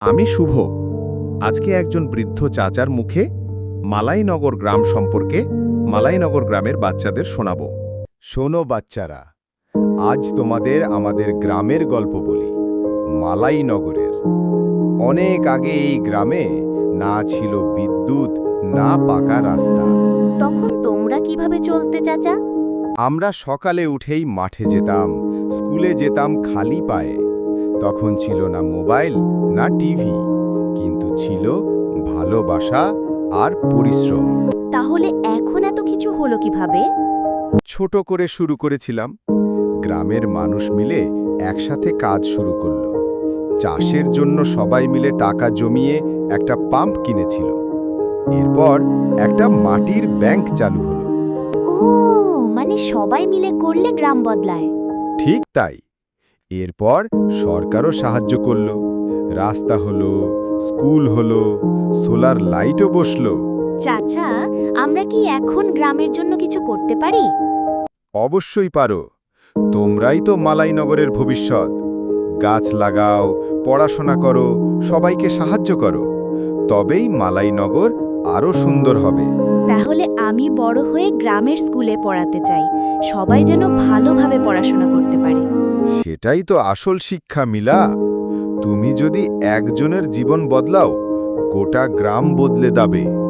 আমি শুভ। আজকে একজন বৃদ্ধ চাচার মুখে মালাইনগর গ্রাম সম্পর্কে মালাইনগর গ্রামের বাচ্চাদের শোনাব। শোনো বাচ্চারা, আজ তোমাদের আমাদের গ্রামের গল্প বলি, মালাইনগরের। অনেক আগে এই গ্রামে না ছিল বিদ্যুৎ, না পাকা রাস্তা। তখন তোমরা কিভাবে চলতে চাচা? আমরা সকালে উঠেই মাঠে যেতাম, স্কুলে যেতাম খালি পায়ে। তখন ছিল না মোবাইল, না টিভি, কিন্তু ছিল ভালোবাসা আর পরিশ্রম। তাহলে এখন এত কিছু হলো কিভাবে? ছোট করে শুরু করেছিলাম। গ্রামের মানুষ মিলে একসাথে কাজ শুরু করলো। চাষের জন্য সবাই মিলে টাকা জমিয়ে একটা পাম্প কিনেছিল। এরপর একটা মাটির ব্যাংক চালু হলো। ও, মানে সবাই মিলে করলে গ্রাম বদলায়। ঠিক তাই। এরপর সরকারও সাহায্য করলো। রাস্তা হলো, স্কুল হলো, সোলার লাইটও বসলো। চাচা, আমরা কি এখন গ্রামের জন্য কিছু করতে পারি? অবশ্যই পারো। তোমরাই তো মালাইনগরের ভবিষ্যৎ। গাছ লাগাও, পড়াশোনা করো, সবাইকে সাহায্য করো। তবেই মালাইনগর আরও সুন্দর হবে। তাহলে আমি বড় হয়ে গ্রামের স্কুলে পড়াতে চাই, সবাই যেন ভালোভাবে পড়াশোনা করতে পারে। সেটাই তো আসল শিক্ষা, মিলা। তুমি যদি একজনের জীবন বদলাও, গোটা গ্রাম বদলে যাবে।